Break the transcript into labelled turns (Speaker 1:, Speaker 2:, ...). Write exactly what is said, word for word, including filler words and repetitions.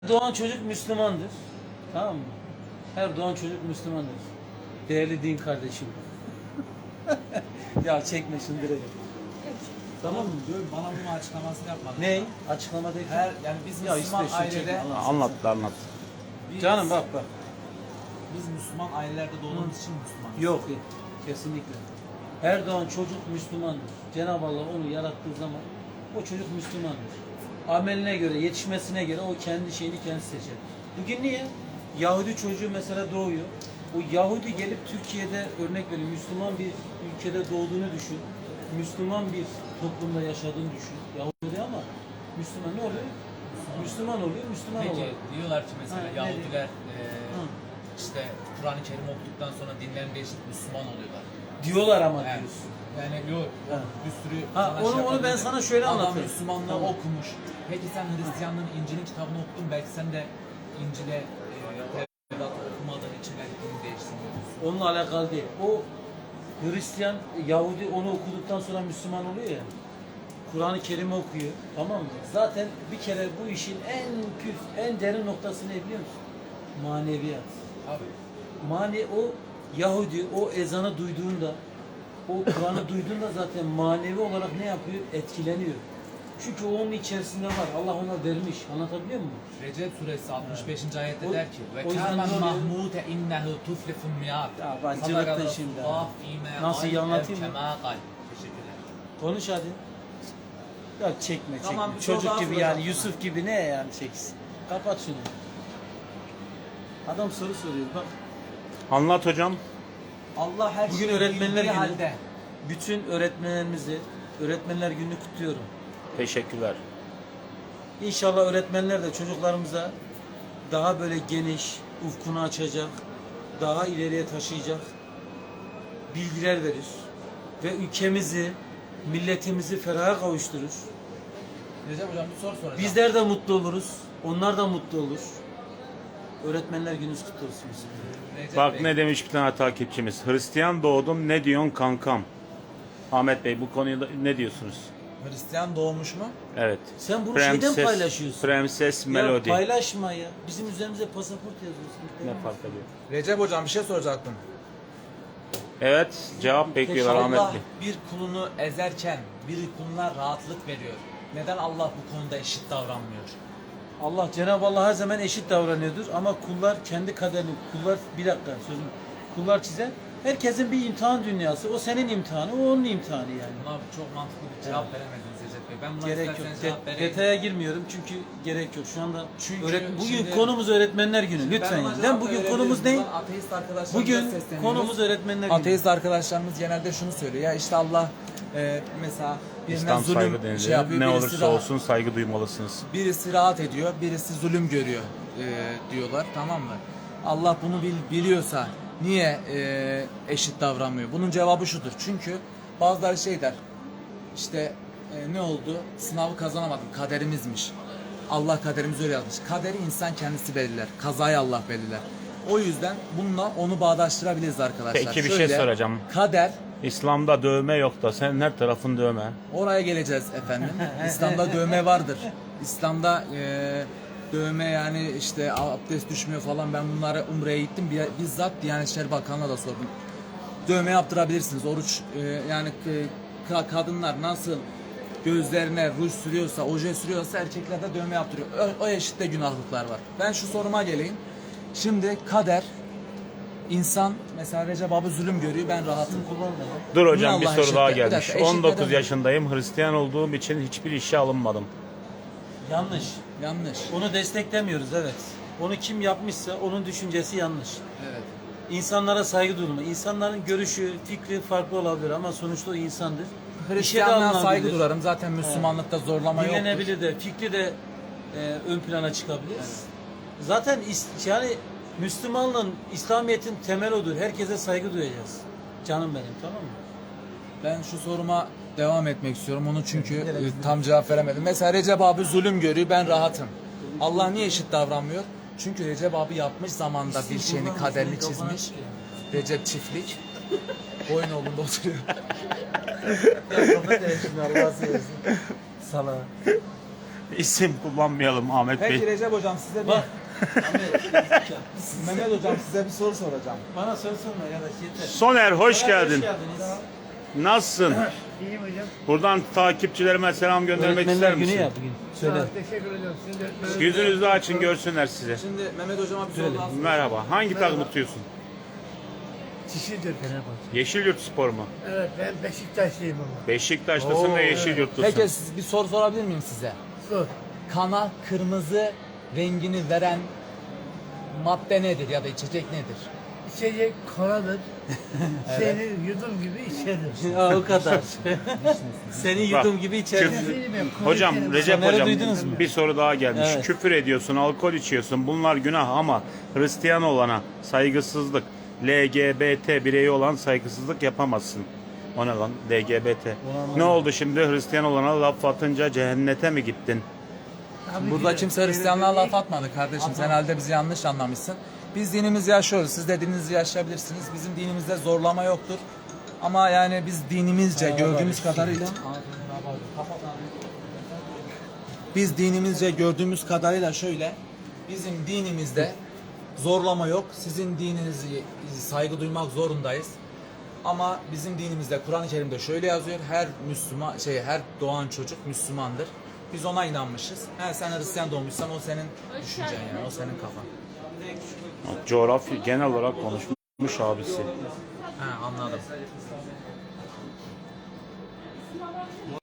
Speaker 1: Doğan çocuk Müslümandır. Tamam mı? Her doğan çocuk Müslümandır. Değerli din kardeşim. Ya çekme şunu direkt. Tamam mı?
Speaker 2: Diyorum, bana bunun açıklamasını yapmadın.
Speaker 1: Ne? Açıklama değil.
Speaker 2: Her yani biz
Speaker 1: Ya
Speaker 2: Müslüman
Speaker 1: işte şu
Speaker 2: ailede
Speaker 1: çekme, Allah.
Speaker 3: Anlat anlat.
Speaker 2: biz,
Speaker 1: Canım bak bak.
Speaker 2: biz Müslüman ailelerde doğduğumuz için Müslümanız.
Speaker 1: Yok. Kesinlikle. Her doğan çocuk Müslümandır. Cenab-ı Allah onu yarattığı zaman o çocuk Müslümandır. Ameline göre, yetişmesine göre o kendi şeyini kendi seçer. Bugün niye? Yahudi çocuğu mesela doğuyor. O Yahudi gelip Türkiye'de örnek veriyorum Müslüman bir ülkede doğduğunu düşün. Müslüman bir toplumda yaşadığını düşün. Yahudi ama Müslüman ne oluyor? Müslüman oluyor, Müslüman
Speaker 4: Peki
Speaker 1: oluyor.
Speaker 4: diyorlar ki mesela
Speaker 1: Ha, ne
Speaker 4: Yahudiler e,
Speaker 1: Hı.
Speaker 4: işte Kur'an-ı Kerim okuduktan sonra dinlerini değiştirip Müslüman oluyorlar.
Speaker 1: Diyorlar ama
Speaker 4: Yani,
Speaker 1: diyorsun.
Speaker 4: yani yok
Speaker 1: Ha.
Speaker 4: bir sürü
Speaker 1: Ha,
Speaker 4: sana
Speaker 1: onu-
Speaker 4: şey
Speaker 1: onu ben
Speaker 4: yapabilir.
Speaker 1: sana şöyle
Speaker 4: Adam
Speaker 1: anlatayım.
Speaker 4: Müslümanlığı
Speaker 1: Tamam.
Speaker 4: okumuş. Peki sen Hristiyanlığın İncil'in kitabını okudun, belki sen de İncil'e e, Tevrat'ı okumadığın için belki dini değiştirmiyorsun.
Speaker 1: Onunla alakalı değil. O Hristiyan, Yahudi onu okuduktan sonra Müslüman oluyor ya. Kur'an-ı Kerim'i okuyor. Tamam mı? Zaten bir kere bu işin en püf, en derin noktası ne biliyor musun? Maneviyat.
Speaker 4: Abi
Speaker 1: Mane o Yahudi o ezanı duyduğunda, o Kur'an'ı duyduğunda zaten manevi olarak ne yapıyor? Etkileniyor. Çünkü o onun içerisinde var. Allah ona vermiş. Anlatabiliyor muyum?
Speaker 4: Recep suresi altmış beşinci ayette
Speaker 1: O-
Speaker 4: der ki ve
Speaker 1: o yüzden
Speaker 4: kâmen
Speaker 1: ne oluyor?
Speaker 4: mahmûte innehu tuflifun miyâd.
Speaker 1: Ya ben cıvıttın şimdi. Nasıl iyi anlatayım mı?
Speaker 4: Teşekkürler.
Speaker 1: Konuş hadi. Ya çekme çekme.
Speaker 2: Tamam, bir soru
Speaker 1: Çocuk
Speaker 2: daha
Speaker 1: gibi
Speaker 2: soracağım
Speaker 1: yani
Speaker 2: sana.
Speaker 1: Yusuf gibi ne yani çeksin. Kapat şunu. Adam soru soruyor bak.
Speaker 3: Anlat hocam.
Speaker 2: Allah her
Speaker 1: Bugün
Speaker 2: şeyi
Speaker 1: öğretmenler
Speaker 2: bildiği
Speaker 1: günü.
Speaker 2: halde.
Speaker 1: Bütün öğretmenlerimizi Öğretmenler Günü'nü kutluyorum.
Speaker 3: Teşekkürler.
Speaker 1: İnşallah öğretmenler de çocuklarımıza daha böyle geniş, ufkunu açacak, daha ileriye taşıyacak bilgiler verir. Ve ülkemizi, milletimizi feraha kavuşturur.
Speaker 4: Recep hocam bir soru soracağım.
Speaker 1: Bizler de mutlu oluruz, onlar da mutlu olur. Öğretmenler Gününüz kutlu olsun.
Speaker 4: Recep
Speaker 3: Bak
Speaker 4: Bey,
Speaker 3: ne demiş bir tane takipçimiz. Hristiyan doğdum ne diyorsun kankam? Ahmet Bey bu konuda ne diyorsunuz?
Speaker 2: Hristiyan doğmuş mu?
Speaker 3: Evet.
Speaker 1: Sen bunu şeyden
Speaker 3: Prenses,
Speaker 1: paylaşıyorsun.
Speaker 3: Prenses
Speaker 1: Ya
Speaker 3: Melody.
Speaker 1: paylaşma ya. Bizim üzerimize pasaport yazıyorsun.
Speaker 3: Ne fark ediyor?
Speaker 2: Recep hocam bir şey soracaktım.
Speaker 3: Evet cevap bekliyorlar Ahmet
Speaker 2: Allah
Speaker 3: Bey.
Speaker 2: bir kulunu ezerken bir kuluna rahatlık veriyor. Neden Allah bu konuda eşit davranmıyor?
Speaker 1: Allah Cenab-ı Allah her zaman eşit davranıyordur ama kullar kendi kaderini, kullar bir dakika sözüm, kullar çizer. Herkesin bir imtihan dünyası. O senin imtihanı, o onun imtihanı yani.
Speaker 4: buna çok mantıklı bir cevap veremediniz Recep Bey. Ben buna
Speaker 1: Gerek yok.
Speaker 4: isterseniz
Speaker 1: De-
Speaker 4: cevap vereyim.
Speaker 1: detaya girmiyorum çünkü gerek yok. Şu anda
Speaker 2: Çünkü
Speaker 1: öğret- bugün
Speaker 2: şimdi-
Speaker 1: konumuz öğretmenler günü. Lütfen.
Speaker 2: Ben ona
Speaker 1: Yani.
Speaker 2: cevap
Speaker 1: Lan bugün
Speaker 2: verebilirim.
Speaker 1: konumuz ne?
Speaker 2: Buradan Ateist arkadaşlarımıza
Speaker 1: Bugün
Speaker 2: sesleniyoruz.
Speaker 1: konumuz öğretmenler günü.
Speaker 2: Ateist arkadaşlarımız genelde şunu söylüyor. Ya işte Allah e, mesela birine
Speaker 3: İslam saygı
Speaker 2: zulüm
Speaker 3: denilir.
Speaker 2: şey yapıyor.
Speaker 3: ne
Speaker 2: birisi
Speaker 3: olursa
Speaker 2: rahat-
Speaker 3: olsun saygı duymalısınız.
Speaker 2: Birisi rahat ediyor, birisi zulüm görüyor e, diyorlar, tamam mı? Allah bunu bil, biliyorsa niye e, eşit davranmıyor? Bunun cevabı şudur. Çünkü bazıları şey der, işte e, ne oldu? Sınavı kazanamadım, kaderimizmiş. Allah kaderimizi öyle yazmış. Kaderi insan kendisi belirler, kazayı Allah belirler. O yüzden bununla onu bağdaştırabiliriz arkadaşlar.
Speaker 3: Peki bir şey
Speaker 2: Şöyle,
Speaker 3: soracağım.
Speaker 2: Kader,
Speaker 3: İslam'da dövme yok da senin her tarafın dövme.
Speaker 2: oraya geleceğiz efendim. İslam'da dövme vardır. İslam'da e, dövme yani işte abdest düşmüyor falan, ben bunları Umre'ye gittim. Bir- Bizzat Diyanet İşleri Bakanı'na da sordum. Dövme yaptırabilirsiniz. Oruç e, yani e, ka- kadınlar nasıl gözlerine ruj sürüyorsa, oje sürüyorsa erkekler de dövme yaptırıyor. O, o eşitte günahlıklar var. Ben şu soruma geleyim. Şimdi kader, insan mesela Recep abi zulüm görüyor, ben rahatım.
Speaker 3: Dur
Speaker 2: Niye
Speaker 3: hocam bir
Speaker 2: Allah
Speaker 3: soru
Speaker 2: eşit
Speaker 3: daha
Speaker 2: de- bir
Speaker 3: gelmiş.
Speaker 2: dakika, eşit
Speaker 3: on dokuz
Speaker 2: neden-
Speaker 3: yaşındayım. Hristiyan olduğum için hiçbir işe alınmadım.
Speaker 1: Yanlış.
Speaker 2: Yanlış.
Speaker 1: Onu desteklemiyoruz evet. Onu kim yapmışsa onun düşüncesi yanlış.
Speaker 2: Evet.
Speaker 1: İnsanlara saygı duyulma. İnsanların görüşü, fikri farklı olabilir ama sonuçta o insandır. İşe de
Speaker 2: Hristiyanlığa saygı
Speaker 1: alınabilir.
Speaker 2: duyarım. Zaten Müslümanlıkta zorlama yoktur.
Speaker 1: Dinlenebilir de, fikri de e, ön plana çıkabilir. Zaten is- yani Müslümanlığın, İslamiyet'in temel odur. Herkese saygı duyacağız. Canım benim, tamam mı?
Speaker 2: Ben şu soruma devam etmek istiyorum. Onu çünkü e, tam cevap veremedim. Mesela Recep abi zulüm görüyor. Ben rahatım. Allah niye eşit davranmıyor? Çünkü Recep abi yapmış zamanda bir şeyini, kaderini çizmiş. Recep çiftlik. Boyun oğlunda oturuyor.
Speaker 1: Ya kapat ya şimdi Allah'a seversen. Sana.
Speaker 3: İsim kullanmayalım Ahmet
Speaker 2: Peki
Speaker 3: Bey.
Speaker 2: Recep hocam size bir
Speaker 1: Bak. Ahmet,
Speaker 2: Mehmet hocam size bir soru soracağım.
Speaker 1: bana soru sorma arkadaş yeter.
Speaker 3: Soner hoş
Speaker 1: Soner,
Speaker 3: geldin.
Speaker 1: Hoş geldiniz.
Speaker 3: Nasılsın?
Speaker 5: İyiyim hocam.
Speaker 3: Buradan takipçilerime selam göndermek ister
Speaker 1: Öğretmenler günü
Speaker 3: misin?
Speaker 1: ya bugün. Söyle.
Speaker 5: Teşekkür ediyorum. Sizin de öğretmeniniz-
Speaker 3: Yüzünüzü açın görsünler size.
Speaker 2: Şimdi Mehmet hocama bir soru daha sorayım.
Speaker 3: Merhaba. Hangi takım tutuyorsun?
Speaker 5: Kişidir.
Speaker 3: Yeşilyurt Spor mu?
Speaker 5: Evet, ben Beşiktaşlıyım ama.
Speaker 3: Beşiktaşlısın ve Yeşilyurtlusun.
Speaker 2: Peki siz bir soru sorabilir miyim size?
Speaker 5: Sor.
Speaker 2: Kana kırmızı rengini veren madde nedir ya da içecek nedir?
Speaker 5: İçecek koladır. Seni yudum gibi içerim.
Speaker 1: Aa, o kadar. Seni yudum
Speaker 3: Bak,
Speaker 1: gibi içerim.
Speaker 3: küfür- Hocam Recep
Speaker 1: Soner'i
Speaker 3: hocam
Speaker 1: duydunuz mu?
Speaker 3: bir soru daha gelmiş.
Speaker 1: Evet.
Speaker 3: Küfür ediyorsun, alkol içiyorsun. Bunlar günah ama Hristiyan olana saygısızlık, L G B T bireyi olan saygısızlık yapamazsın. O ne lan? L G B T. Ne oldu şimdi Hristiyan olana laf atınca cehennete mi gittin?
Speaker 2: Burada kimse Hristiyanlığa laf atmadı kardeşim. Sen herhalde bizi yanlış anlamışsın. Biz dinimizi yaşıyoruz. Siz de dininizi yaşayabilirsiniz. Bizim dinimizde zorlama yoktur. Ama yani biz dinimizce gördüğümüz kadarıyla biz dinimizce gördüğümüz kadarıyla şöyle, bizim dinimizde zorlama yok. Sizin dininizi saygı duymak zorundayız. Ama bizim dinimizde Kur'an-ı Kerim'de şöyle yazıyor. Her Müslüman şey her doğan çocuk Müslümandır. Biz ona inanmışız. He, sen Hristiyan doğmuşsan o senin düşüncen yani, o senin kafan.
Speaker 3: Coğrafya genel olarak konuşmuş abisi.
Speaker 2: He, anladım.